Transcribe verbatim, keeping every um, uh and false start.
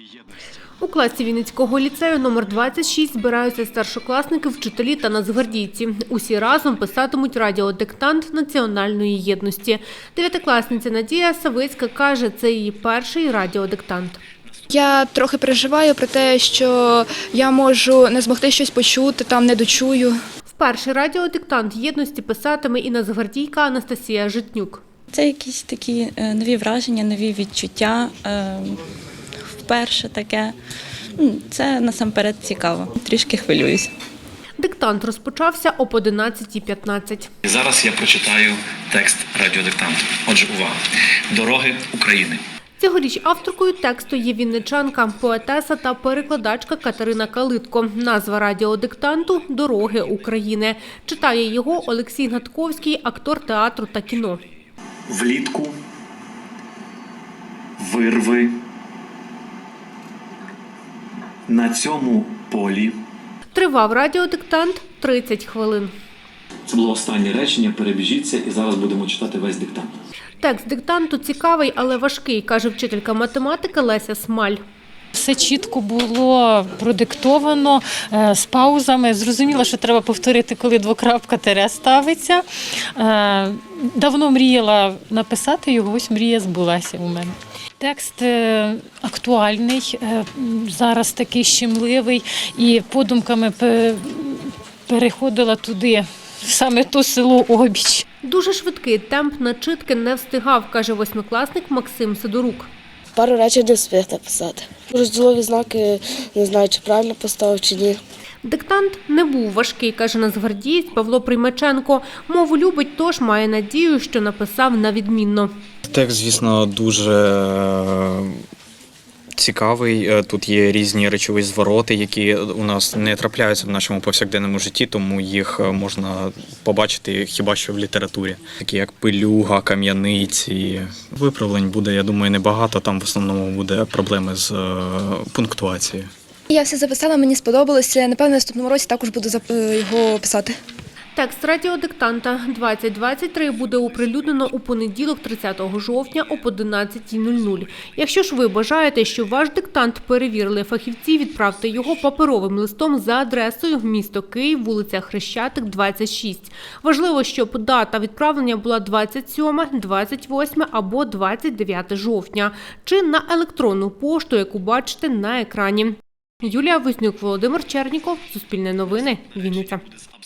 У класі Вінницького ліцею номер двадцять шість збираються старшокласники, вчителі та нацгвардійці. Усі разом писатимуть радіодиктант національної єдності. Дев'ятикласниця Надія Савицька каже, це її перший радіодиктант. Я трохи переживаю про те, що я можу не змогти щось почути, там не дочую. Вперше радіодиктант єдності писатиме і нацгвардійка Анастасія Житнюк. Це якісь такі нові враження, нові відчуття. Вперше таке. Це насамперед цікаво. Трішки хвилююсь. Диктант розпочався об одинадцятій п'ятнадцять. Зараз я прочитаю текст радіодиктанту. Отже, увага. Дороги України. Цьогоріч авторкою тексту є вінничанка, поетеса та перекладачка Катерина Калитко. Назва радіодиктанту – «Дороги України». Читає його Олексій Гнатковський, актор театру та кіно. Влітку вирви на цьому полі. Тривав радіодиктант тридцять хвилин. Це було останнє речення, перебіжіться, і зараз будемо читати весь диктант. Текст диктанту цікавий, але важкий, каже вчителька математики Леся Смаль. Все чітко було продиктовано, з паузами. Зрозуміло, що треба повторити, коли двокрапка тире ставиться. Давно мріяла написати його, ось мрія збулася у мене. Текст актуальний, зараз такий щемливий, і подумками переходила туди, саме то село Обіч. Дуже швидкий темп начитки не встигав, каже восьмикласник Максим Сидорук. Пару речень не встиг написати. Розділові знаки не знаю, чи правильно поставив, чи ні. Диктант не був важкий, каже нацгвардієць Павло Приймаченко. Мову любить, тож має надію, що написав на відмінно. Текст, звісно, дуже цікавий. Тут є різні речові звороти, які у нас не трапляються в нашому повсякденному житті, тому їх можна побачити хіба що в літературі. Такі як пилюга, кам'яниці. Виправлень буде, я думаю, небагато. Там в основному буде проблеми з пунктуацією. Я все записала, мені сподобалося. Напевно, в наступному році також буду його писати. Текст радіодиктанта двадцять двадцять три буде оприлюднено у понеділок, тридцятого жовтня об одинадцятій нуль нуль. Якщо ж ви бажаєте, щоб ваш диктант перевірили фахівці, відправте його паперовим листом за адресою місто Київ, вулиця Хрещатик, двадцять шість. Важливо, щоб дата відправлення була двадцять сьоме, двадцять восьме або двадцять дев'яте жовтня, чи на електронну пошту, яку бачите на екрані. Юлія Вознюк, Володимир Черніков, Суспільне новини, Вінниця.